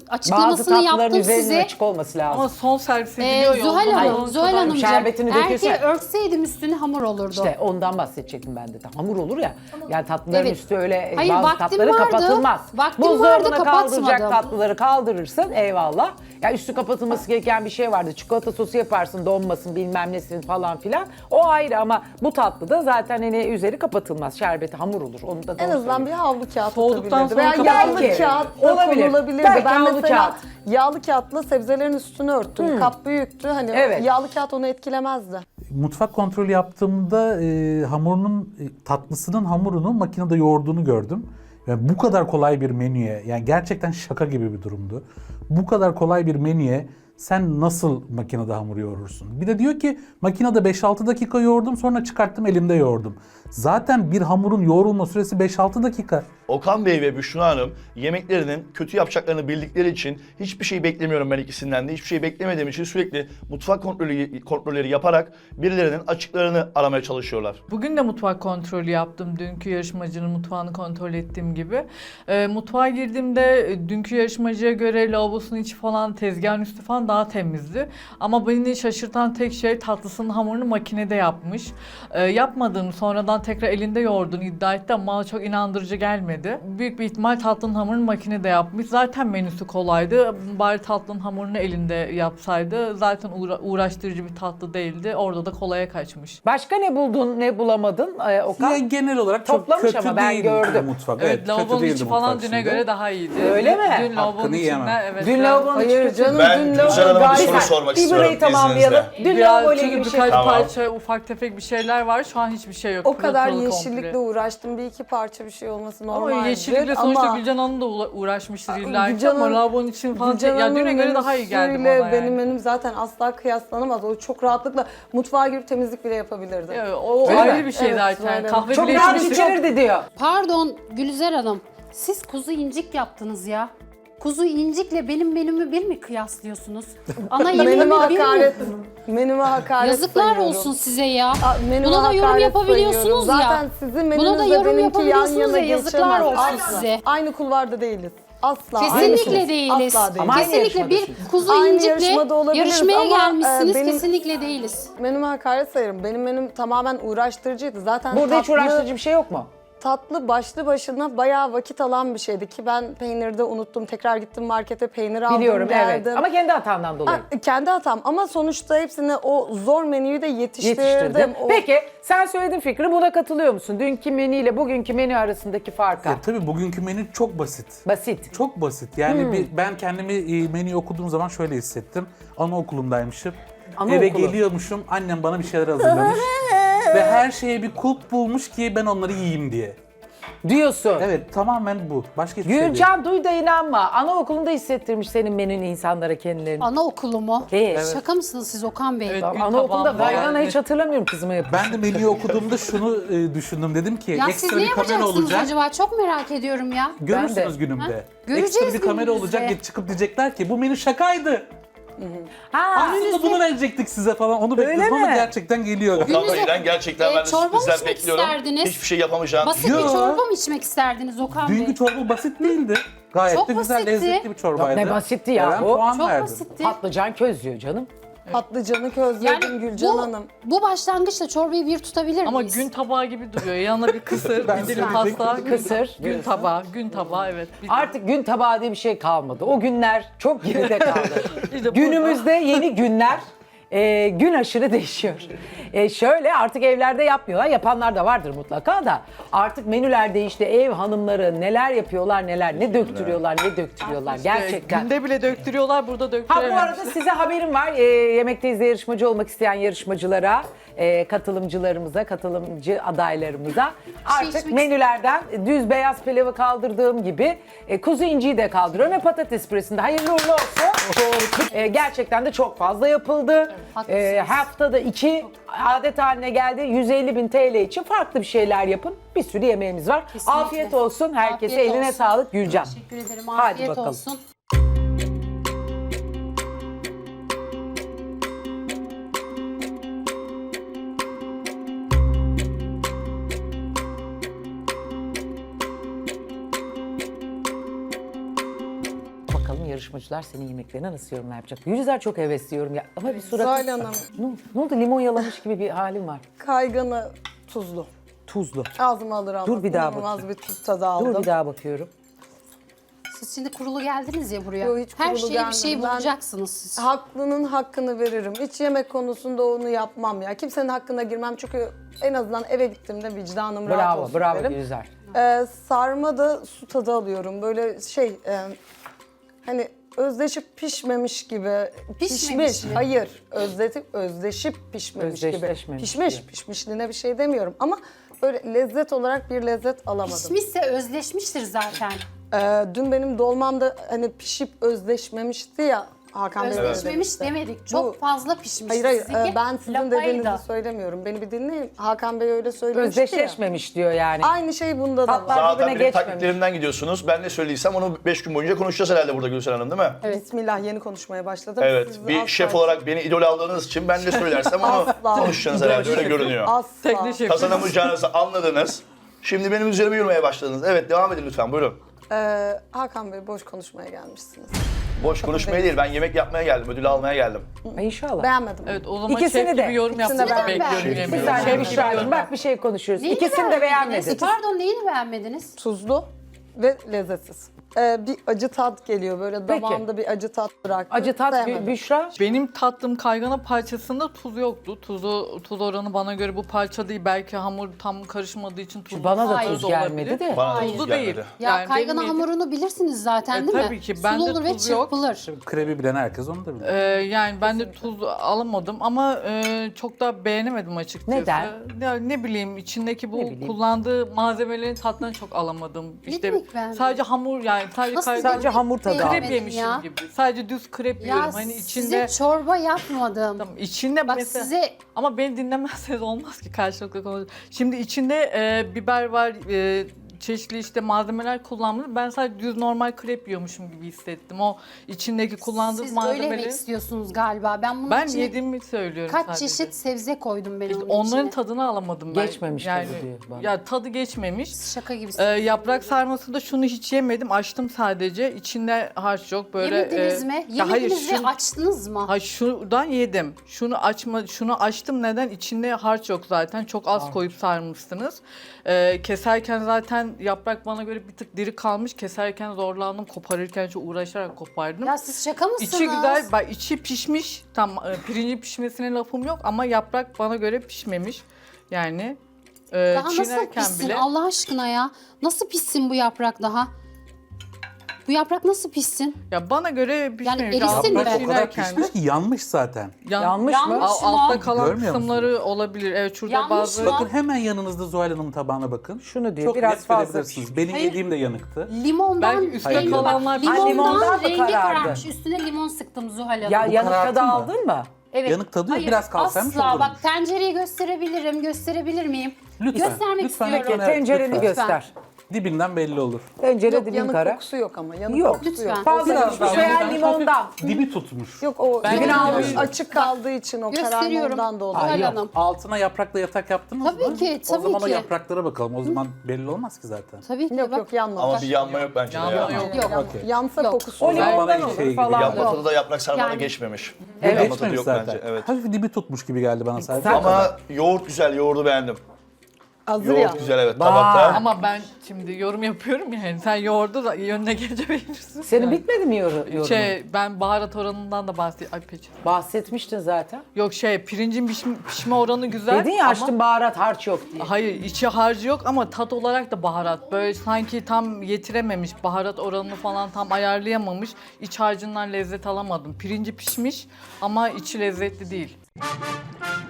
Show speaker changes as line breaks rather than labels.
Bazı
açıklamasını
tatlıların
yaptım
üzerinin
size.
açık olması lazım.
Ama son servis ediliyor ya.
Zuhal
ondan
Hanım,
sonra
Zuhal
kadar-
Hanımcığım,
şerbetini döküyorsun
eğer ki
ya.
örtseydim üstüne hamur olurdu.
İşte ondan bahsedecektim ben de. Hamur olur ya. Yani tatlıların
Evet.
üstü öyle
Hayır,
bazı
vaktim
tatları
vardı.
kapatılmaz.
Vaktim vardı,
Buzdolabına kaldıracak
kapatmadım.
tatlıları kaldırırsın eyvallah. Ya üstü kapatılması gereken bir şey vardı. Çikolata sosu yaparsın donmasın bilmem nesin falan filan. O ayrı ama bu tatlıda zaten hani üzeri kapatılmaz. Şerbeti hamur olur. Onu da
En
doğru
azından bir havlu kağıt
Soğuduktan
atabilirdi.
sonra
Veya yağlı
belki
kağıt da
olabilir.
konulabilirdi.
Belki
Ben
havlu
mesela
kağıt.
yağlı kağıtla sebzelerin üstünü örttüm. Kap büyüktü. Hani
Evet.
yağlı kağıt onu etkilemezdi.
Mutfak kontrolü yaptığımda hamurunun tatlısının hamurunu makinede yoğurduğunu gördüm. Yani bu kadar kolay bir menüye, yani gerçekten şaka gibi bir durumdu. Bu kadar kolay bir menüye sen nasıl makinede hamur yoğurursun? Bir de diyor ki makinede 5-6 dakika yoğurdum, sonra çıkarttım elimde yoğurdum. Zaten bir hamurun yoğrulma süresi 5-6 dakika.
Okan Bey ve Büşra Hanım yemeklerinin kötü yapacaklarını bildikleri için hiçbir şey beklemiyorum ben ikisinden de. Hiçbir şey beklemediğim için sürekli mutfak kontrolleri yaparak birilerinin açıklarını aramaya çalışıyorlar.
Bugün de mutfak kontrolü yaptım. Dünkü yarışmacının mutfağını kontrol ettiğim gibi. Mutfağa girdiğimde dünkü yarışmacıya göre lavabosunun içi falan, tezgahın üstü falan daha temizdi. Ama beni şaşırtan tek şey tatlısının hamurunu makinede yapmış. Yapmadığını sonradan tekrar elinde yoğurduğunu iddia etti ama bana çok inandırıcı gelmedi. Büyük bir ihtimal tatlının hamurunu makinede yapmış. Zaten menüsü kolaydı. Bari tatlının hamurunu elinde yapsaydı. Zaten uğraştırıcı bir tatlı değildi. Orada da kolaya kaçmış.
Başka ne buldun, ne bulamadın Okan?
Yani genel olarak çok
Toplamış
kötü
ama ben
değildi
gördüm.
mutfak.
Evet,
kötü
lavabonun
değildi
içi falan
mutfak
düne
şimdi.
göre daha iyiydi.
Öyle mi?
Dün lavabonun
Hakkını
içinde,
yiyemem.
evet.
Dün
biraz-
lavabonun
Hayır
içi
canım,
Ben
dün
Gülşen
lavabo
Hanım'a bir
gayet...
soru sormak istiyorum
İbra'yı tamamlayalım.
izninizle.
Dün
Biraz
lavabo ile
çünkü
ilgili bir şey.
birkaç
Tamam.
parça, ufak tefek bir şeyler var. Şu an hiçbir şey yok.
O kadar
Pırıltılı
yeşillikle
komple.
uğraştım. Bir iki parça bir şey olması normaldir.
Ama yeşillikle sonuçta
ama
Gülcan Hanım da uğraşmıştır illa ki
Gülcan
ama
Hanım-
lavabonun için falan
Gülcan
ya düne
Hanım'ın
göre daha iyi geldi bana
menüsüyle
yani.
benim menüm zaten asla kıyaslanamaz. O çok rahatlıkla mutfağa girip temizlik bile yapabilirdi.
Ya, o
Öyle
ayrı
mi?
bir şey
Evet,
zaten.
öyle.
Kahve
Çok
bile
rahat
içmiş.
içirirdi diyor.
Pardon Gülizar Hanım, siz kuzu incik yaptınız ya. Kuzu incikle benim menümü bir mi kıyaslıyorsunuz? Ana
Menüme
yemeğimi bir
hakaret.
mi?
Menüme hakaret
Yazıklar
sayıyorum.
olsun size ya.
Menüme
Buna da yorum
hakaret
yapabiliyorsunuz
sayıyorum.
ya.
Zaten sizin
Buna da
menünüzle
yorum
benimki yan
yapabiliyorsunuz
yana
ya, yazıklar
geçemez.
olsun
Asla.
size.
Aynı kulvarda değiliz. Asla.
Kesinlikle
Aynı-
değiliz.
Asla değiliz.
Ama aynı
Kesinlikle bir
yarışmadasınız.
kuzu
Aynı
incikle
yarışmada olabiliriz
yarışmaya
ama,
gelmişsiniz.
benim-
Kesinlikle değiliz.
Menüme hakaret sayarım. Benim menüm tamamen uğraştırıcıydı. Zaten
Burada hiç uğraştırıcı bir şey yok mu?
tatlı başlı başına bayağı vakit alan bir şeydi ki ben peynirde unuttum. Tekrar gittim markete peynir aldım
Biliyorum
geldim.
evet. Ama kendi hatandan dolayı.
Kendi hatam ama sonuçta hepsini o zor menüyü de yetiştirdim.
Yetiştirdim.
O-
Peki sen söyledin fikri, buna katılıyor musun? Dünkü menü ile bugünkü menü arasındaki farka.
Tabii bugünkü menü çok basit.
Basit.
Çok basit. Yani ben kendimi menüyü okuduğum zaman şöyle hissettim. Anaokulundaymışım. Eve
Anaokulu.
geliyormuşum. Annem bana bir şeyler hazırlamış. Ve her şeye bir kulp bulmuş ki ben onları yiyeyim diye.
Diyorsun.
Evet, tamamen bu. Başka hiçbir şey değil.
Gülcan duy da inanma. Anaokulunda hissettirmiş senin menünü insanlara kendilerini.
Anaokulu mu?
Evet.
Şaka mısınız siz Okan Bey?
Evet.
Tamam,
Gün
anaokulunda
tabağım var.
gaygana hiç hatırlamıyorum kızıma yapmış.
Ben de menüyü okuduğumda şunu düşündüm. Dedim ki
Ya siz
ekstra
ne
bir kamera
yapacaksınız
olacak.
acaba? Çok merak ediyorum ya.
Görürsünüz
Ben
günümde.
Göreceğiz
Ekstra bir kamera
günümüzde.
olacak, çıkıp diyecekler ki bu menü şakaydı.
Ha,
Aslında bunu verecektik size falan. Onu
Öyle
bekliyordum ama
mi?
gerçekten geliyor.
Okan
Gününüzde-
Bey'den gerçekten ben de
çorba mı
sürprizler
içmek
bekliyorum.
isterdiniz?
Hiçbir şey yapamayacağım.
Basit
Yo.
bir çorba mı içmek isterdiniz Okan Bey?
Dünkü çorba basit değildi. Gayet
Çok
de güzel,
basitti.
lezzetli bir çorbaydı.
Ne basitti ya
Ben
bu.
puan
Çok
verdim.
basitti.
patlıcan közlüyor canım.
Patlıcanı közledim Gülcan Hanım.
bu başlangıçta çorbayı bir tutabilir
Ama
miyiz?
gün tabağı gibi duruyor. Yanına bir kısır,
Ben
bir dilim
söyleyecektim.
pasta.
Kısır
Gün tabağı, gün tabağı evet.
Artık gün tabağı diye bir şey kalmadı. O günler çok geride kaldı.
İşte
Günümüzde yeni günler gün aşırı değişiyor. Şöyle artık evlerde yapmıyorlar. Yapanlar da vardır mutlaka da. Artık menüler değişti. Ev hanımları neler yapıyorlar neler. Ne döktürüyorlar ne döktürüyorlar. Gerçekten.
Günde bile döktürüyorlar, burada
Ha bu
döktürememişler.
arada size haberim var. Yemekteyiz yarışmacı olmak isteyen yarışmacılara, katılımcılarımıza, katılımcı adaylarımıza artık
içmek
menülerden düz beyaz pilavı kaldırdığım gibi kuzu inciyi de kaldırıyorum ve patates püresinde hayırlı uğurlu olsun. Gerçekten de çok fazla yapıldı.
haklısınız.
Haftada 2 adet haline geldi. 150.000 TL için farklı bir şeyler yapın. Bir sürü yemeğimiz var.
Kesinlikle.
Afiyet olsun. Herkese
Afiyet
eline
olsun.
sağlık Gülcan.
Teşekkür ederim.
Hadi
Afiyet
bakalım.
olsun.
Bakalım yarışmacı yarışmacılar senin yemeklerine nasıl yorumlar yapacak? Gülizar çok hevesliyorum ya. Ama bir suratı...
Zuhal Hanım,
Ne oldu? Limon yalamış gibi bir halim var.
kayganı tuzlu.
Tuzlu.
Ağzıma alır almaz.
Dur bir daha
İnanılmaz
bakayım.
bir tuz tadı aldım.
Dur bir daha bakıyorum.
Siz şimdi kurulu geldiniz ya buraya.
Yo, hiç
Her
kurulu
şeye bir şey
gelmedim. Ben-
bulacaksınız siz.
Haklının hakkını veririm. Hiç yemek konusunda onu yapmam ya. Kimsenin hakkına girmem çünkü en azından eve gittiğimde vicdanım rahat
Bravo,
olsun
bravo
derim.
Gülizar.
Sarma da su tadı alıyorum. Böyle hani özdeşip pişmemiş gibi.
Pişmemiş mi?
Hayır. Özdeşip pişmemiş gibi.
Özdeşleşmemiş
Pişmiş.
gibi.
Pişmişliğine bir şey demiyorum ama böyle lezzet olarak bir lezzet alamadım.
Pişmişse özleşmiştir zaten.
Dün benim dolmamda hani pişip özleşmemişti ya Hakan Bey. öyle
Özleşmemiş
demişti.
demedik. Çok
Bu-
fazla pişmiş.
Hayır,
Sizinki
ben sizin
lapaydı.
dediğinizi söylemiyorum. Beni bir dinleyin. Hakan Bey öyle söylemişti ya.
Özdeşleşmemiş diyor yani.
Aynı şey bunda da var.
Tatlar
Zaten
birbirine
benim
geçmemiş.
taktiklerimden gidiyorsunuz. Ben ne söylediysem onu 5 gün boyunca konuşacağız herhalde burada Gülsel Hanım, değil mi?
Bismillah, yeni konuşmaya başladım.
Evet.
Siz
Bir
asla-
şef olarak beni idol aldığınız için ben ne söylersem onu
Asla.
konuşacaksınız herhalde. Öyle görünüyor.
Asla.
Teknik şef.
Kazanamayacağınızı anladınız. Şimdi benim üzerime yürümeye başladınız. Evet, devam edin lütfen. Buyurun.
Hakan Bey, boş konuşmaya gelmişsiniz.
Boş konuşmaya değil. Ben yemek yapmaya geldim. Ödül almaya geldim.
İnşallah.
Beğenmedim.
Evet, o zaman
İkisini
şef
de.
gibi yorum
İkisini de
yapmanızı
beğenmedim.
bekliyorum
Şef
Bir
gibi.
yemeği.
saniye
Şef gibi
Büşra'cığım
yorum
bak bir şey konuşuyoruz.
Neyini
İkisini de
beğenmediniz?
beğenmedin.
Pardon neyini beğenmediniz?
Tuzlu ve lezzetsiz. Bir acı tat geliyor. Böyle
Peki.
damağımda bir acı tat bıraktı.
Acı tat
Sevmedim.
Büşra.
Benim tattığım kaygana parçasında tuz yoktu. Tuz oranı bana göre bu parça değil. Belki hamur tam karışmadığı için tuzlu.
Bana da
Hayır.
tuz gelmedi de.
Bana da
Hayır.
tuz
Tuzlu değil.
gelmedi.
Ya
Yani
kaygana
benim yediğim-
hamurunu bilirsiniz zaten değil mi?
tabii ki. Bende
Sulu olur ve
tuz yok.
çırpılır.
Krebi bilen herkes onu da bilir.
Yani ben de tuz alamadım ama çok da beğenemedim açıkçası.
Neden?
Ya ne bileyim içindeki bu
Ne bileyim.
kullandığı malzemelerin tadını çok alamadım. İşte
demek beğenmedin?
sadece hamur yani
Nasıl
Sadece hamur tadı
beğenmedin
krep yemişim
ya?
gibi. Sadece düz krep
Ya
yiyorum. Hani içinde
size çorba yapmadım.
Tamam, içinde
Bak
mesela
size
ama beni dinlemezseniz olmaz ki karşılıklı konu. Şimdi içinde biber var, çeşitli işte malzemeler kullanmış. Ben sadece düz normal krep yiyormuşum gibi hissettim. O içindeki kullandığı
siz öyle yemek
malzemeleri
istiyorsunuz galiba. Ben bunun
ben
içine
yediğimi söylüyorum
kaç
sadece.
çeşit sebze koydum ben
İşte
onun
onların
içine.
tadını alamadım ben.
Geçmemiş tadı diyor bana.
Ya tadı geçmemiş.
Şaka gibisiniz.
Yaprak sarmasında şunu hiç yemedim. Açtım sadece. İçinde harç yok. Böyle
Yemediniz mi?
ya hayır,
Yemediniz ve
şunu-
açtınız mı?
Hayır şuradan yedim. Şunu açtım neden? İçinde harç yok zaten. Çok az koyup sarmışsınız. Keserken zaten yaprak bana göre bir tık diri kalmış. Keserken zorlandım. Koparırken çok uğraşarak kopardım.
Ya siz şaka mısınız?
İçi güzel, bak içi pişmiş. Tam pirinci pişmesine lafım yok ama yaprak bana göre pişmemiş. Yani
Daha nasıl
çiğnerken
pişsin
bile.
Allah aşkına ya? Nasıl pişsin bu yaprak daha? Bu yaprak nasıl pişsin?
Ya bana göre pişmemiş.
erisin
Aslında
mi?
Yaprak o kadar
çiğnerken-
pişmiş ki yanmış zaten.
Yanmış mı?
Yanmış.
Altta kalan
Görmüyor musun?
kısımları olabilir. Evet şurada
Yanmış
bazı...
mı?
Bakın hemen yanınızda Zuhal Hanım'ın tabağına bakın.
Şunu diyor,
Çok
biraz
net
fazla
görebilirsiniz. Benim
Hayır.
yediğim de yanıktı.
Limondan
Belki üstte
rengi
kalanlar-
bak, limondan,
Ha, limondan mı
rengi
karardı?
kararmış. Üstüne limon sıktım Zuhal Hanım.
Ya yanık
karartı
tadı
mı?
aldın mı?
Evet.
yanık tadı yok,
Hayır,
biraz kalsaymış
asla.
olurmuş.
Bak tencereyi gösterebilirim. Gösterebilir miyim?
Lütfen,
Göstermek
lütfen
istiyorum.
ekranı-
Tencereni
lütfen.
göster.
Dibinden belli olur.
Tencere
Yok,
dibin
yanık
kara.
kokusu yok ama. Yanık
Yok.
kokusu
Lütfen.
Fazla
Biraz
pişmiş
daha
veya
yanık,
limondan.
hafif dibi tutmuş.
Yok, o
Ben
dibini
de
almış,
öyle.
açık kaldığı için o
Gösteriyorum.
kararma ondan da
Zuhal
oluyor.
yok.
Hanım.
Altına yaprakla yatak yaptınız mı?
Tabii ki,
O zaman o
tabii ki.
yapraklara bakalım. O zaman belli olmaz ki zaten.
Tabii ki
Yok
bak.
yok, yanmamış.
Ama bir yanma yok bence de
Yanma
ya.
yok.
Yok.
Okey.
Yansa
Yok.
kokusu
O
olur.
zaman bana
limondan
hiç
olur
şey gibi
falan.
Yanma
Yok.
tadı da yaprak sarmada
Yani-
geçmemiş.
Evet.
Yanma tadı
Geçmemiş
yok
zaten.
bence. Evet.
Hafif dibi tutmuş gibi geldi bana sadece.
Ama yoğurt güzel, yoğurdu beğendim.
Hazır ya.
Yoğurt güzel evet
Bak.
tabakta.
Ama ben şimdi yorum yapıyorum ya. Yani sen yoğurdu da yönüne gelince beğenirsin.
Senin bitmedi mi yorumun?
Ben baharat oranından da bahsedeyim. Ay peki.
Bahsetmiştin zaten.
Yok pirincin pişme oranı güzel.
Dedin ya
ama-
açtım baharat harç yok diye.
Hayır içi harcı yok ama tat olarak da baharat. Böyle sanki tam yetirememiş, baharat oranını falan tam ayarlayamamış. İç harcından lezzet alamadım. Pirinci pişmiş ama içi lezzetli değil.